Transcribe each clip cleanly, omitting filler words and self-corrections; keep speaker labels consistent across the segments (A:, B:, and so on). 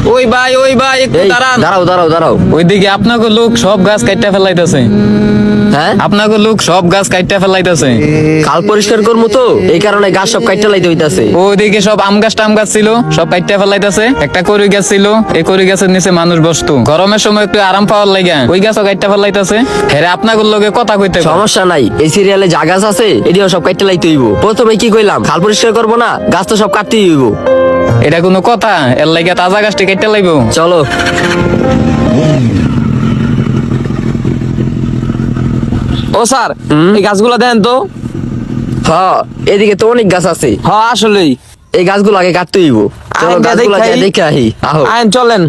A: ওই ভাই একটু দাঁড়ান।
B: দাঁড়াও।
A: ওইদিকে আপনাকে লোক সব গাছ কাইটা ফেলাইতেছে।
B: হ্যাঁ,
A: আপনাকে লোক সব গাছ কাইটা ফেলাইতেছে।
B: খাল পরিষ্কার করবো তো, এই কারণে গাছ সব কাইটা লাইতে হইতাছে।
A: ওইদিকে সব আম গাছ টাম গাছ ছিল, সব কাইটা ফেলাইতেছে। একটা কড়ই গাছ ছিল, এই কড়ই গাছের নিচে মানুষ বসতো, গরমের সময় একটু আরাম পাওয়ার লাগে ওই গাছও কাইটা ফেলাইতেছে। হেরে আপনাকে লোকে কথা কইতে কয়।
B: সমস্যা নাই, এই সিরিয়ালে যা গাছ আছে এটিও সব কাইটা লাইতে হইব। প্রথমে কি কইলাম, খাল পরিষ্কার করবো না, গাছ তো সব কাটতেই হইব।
A: এটা কোনো কথা? এর লাগে তাজা গাছটি কাইটা লাইব।
B: চলো।
C: ও স্যার, এই গাছগুলো দেন তো।
B: হ্যাঁ, এদিকে তো অনেক গাছ আছে।
C: হ্যাঁ আসলেই,
B: এই গাছগুলো আগে কাটতে হইব। চলো
C: আইন
B: গাছগুলো
C: দেখাই।
B: দেখে আহি। আহো।
C: আইন চলেন।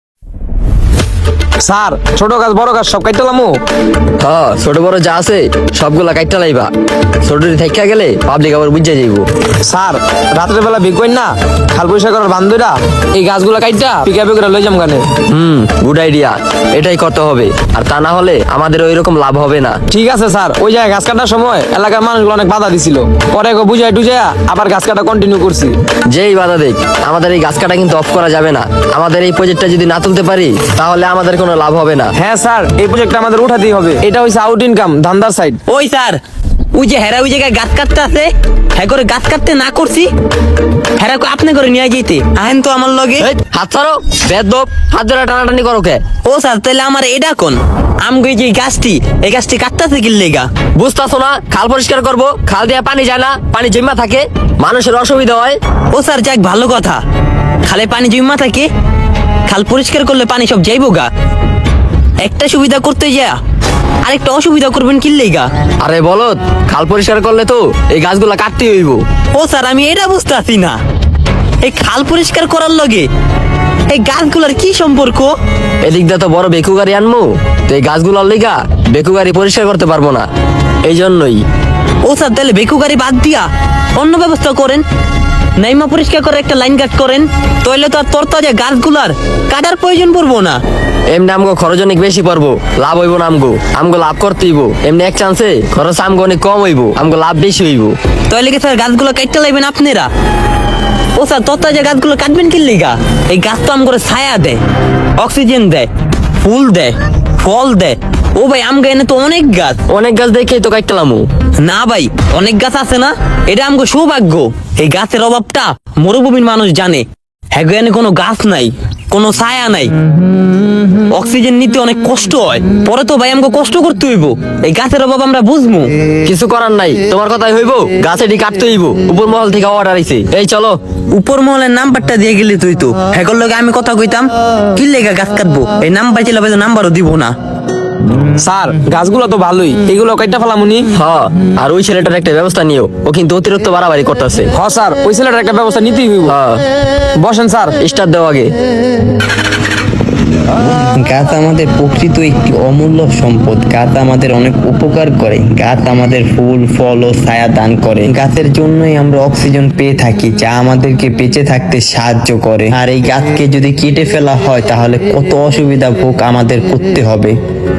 C: স্যার, ছোট গাছ বড় গাছ সব কাটলামু।
B: হ্যাঁ, ছোট বড় যা আছে সবগুলা কাটতে লাইবা। ছোটটি থাইকা গেলে পাবলিক আবার বুঝে যাইব।
C: স্যার, রাত্রের বেলা বিকোয়েন না, খাল পরিষ্কার করার বান্ধবীরা এই গাছগুলো কাটটা পিকাপে করে লই যাম গানে।
B: গুড আইডিয়া, এটাই করতে হবে। আর তা না হলে আমাদের ওইরকম লাভ হবে না।
C: ঠিক আছে স্যার, ওই জায়গায় গাছ কাটার সময় এলাকার মানুষগুলো অনেক বাধা দিছিল, পরে বুঝাই টুঝাই আবার গাছ কাটা কন্টিনিউ করছি।
B: যেই বাধা দেখ, আমাদের এই গাছ কাটা কিন্তু অফ করা যাবে না। আমাদের এই প্রজেক্টটা যদি না তুলতে পারি তাহলে আমাদের কোনো লাভ হবে না।
C: হ্যাঁ স্যার, এই প্রজেক্টটা আমাদের উঠাতেই হবে। এটা হইছে আউট ইনকাম, ধান্দার সাইড।
D: ওই স্যার, ওই যে হেরা ওই জায়গায় গাছ কাটতে আছে, হ্যাঁ করে গাছ কাটতে না করছি, হেরা আপনি করে নিয়ে যেতে আহেন তো আমার লগে।
B: এই, হাত ছাড়ো বেদব, হাত ধরে টানাটানি করো কে?
D: ও স্যার, তাহলে আমার এটা কোন আমগো এই যে গাছটি, এই গাছটি কাটতেছে কি লেগা?
B: বুঝতাছো না? খাল পরিষ্কার করবো, খাল দিয়ে পানি যায় না, পানি জমা থাকে, মানুষের অসুবিধা হয়।
D: ও স্যার, যাক ভালো কথা, খালে পানি জমা থাকে, খাল পরিষ্কার করলে পানি সব যাইবো গা। একটা সুবিধা করতে যা আরেকটা অসুবিধা করবেন কি লেগা?
B: আরে বলত, খাল পরিষ্কার করলে তো এই গাছগুলা কাটতেই হইব।
D: ও স্যার, আমি এটা বুঝতে পারছি না, এই খাল পরিষ্কার করার লগে এই গাছগুলার কি সম্পর্ক?
B: এদিক দিয়ে তো বড় বেকু গাড়ি আনবো, তো এই গাছগুলোর লিগা বেকু গাড়ি পরিষ্কার করতে পারবো না, এই জন্যই।
D: ও স্যার, তাহলে বেকু গাড়ি বাদ দিয়া অন্য ব্যবস্থা করেন, নাইমা পরিষ্কার করে একটা লাইন কাট করেন, তাহলে তো আর তরতাজা গাছগুলার কাটার প্রয়োজন পড়বো না।
B: এমনি আমগো খরচ অনেক বেশি পড়বো, লাভ হইব না। আমগো লাভ করতে হইব। এমনি এক চান্সে খরচ আমগো অনেক কম হইব, আমগো লাভ বেশি হইব।
D: তাহলে কি স্যার গাছগুলো কাটতে লাগবেন আপনারা? ও স্যার, তরতাজা গাছগুলো কাটবেন কি লিগা? এই গাছ তো আমগরে ছায়া দেয়, অক্সিজেন দেয়, ফুল দেয়, ফল দেয়। ও ভাই, আমগো এনে তো অনেক গাছ।
B: অনেক গাছ দেখেই তো কাটলামু।
D: না ভাই, অনেক গাছ আছে না, এটা আমগো সৌভাগ্য। এই গাছের অভাবটা মরুভূমির মানুষ জানে। হ্যাঁ, এনে কোনো গাছ নাই, কোনো ছায়া নাই, অক্সিজেন নিতে অনেক কষ্ট হয়, পরে তো ভাই আমগো কষ্ট করতে হইব। এই গাছের অভাব আমরা বুঝবো।
B: কিছু করার নাই, তোমার কথাই হইব, গাছ এটি কাটতে হইব। উপর মহল থেকে অর্ডার আইছে। এই চলো।
D: উপর মহলের নাম্বারটা দিয়ে গেলি তুই তো, হ্যাঁ লগে আমি কথা কইতাম কি লেগা গাছ কাটবো, এই নাম্বার ছিল নাম্বারও দিব না।
C: স্যার, গাছগুলো তো ভালোই, এগুলো কাটতে ফেলামুনি।
B: হ্যাঁ, আর ওই ছেলেটার একটা ব্যবস্থা নিও, ও কিন্তু অতিরিক্ত বাড়াবাড়ি করতেছে।
C: হ্যাঁ স্যার, ওই ছেলেটার একটা ব্যবস্থা নিতেই হইব।
B: হ্যাঁ,
C: বসেন স্যার।
B: স্টার্ট দেও আগে।
E: গাছ আমাদের প্রকৃত একটি অমূল্য সম্পদ। গাছ আমাদের অনেক উপকার করে। গাছ আমাদের ফুল ফল ও ছায়া দান করে। গাছের জন্যই আমরা অক্সিজেন পেয়ে থাকি, যা আমাদেরকে বেঁচে থাকতে সাহায্য করে। আর এই গাছকে যদি কেটে ফেলা হয় তাহলে কত অসুবিধা ভোগ আমাদের করতে হবে।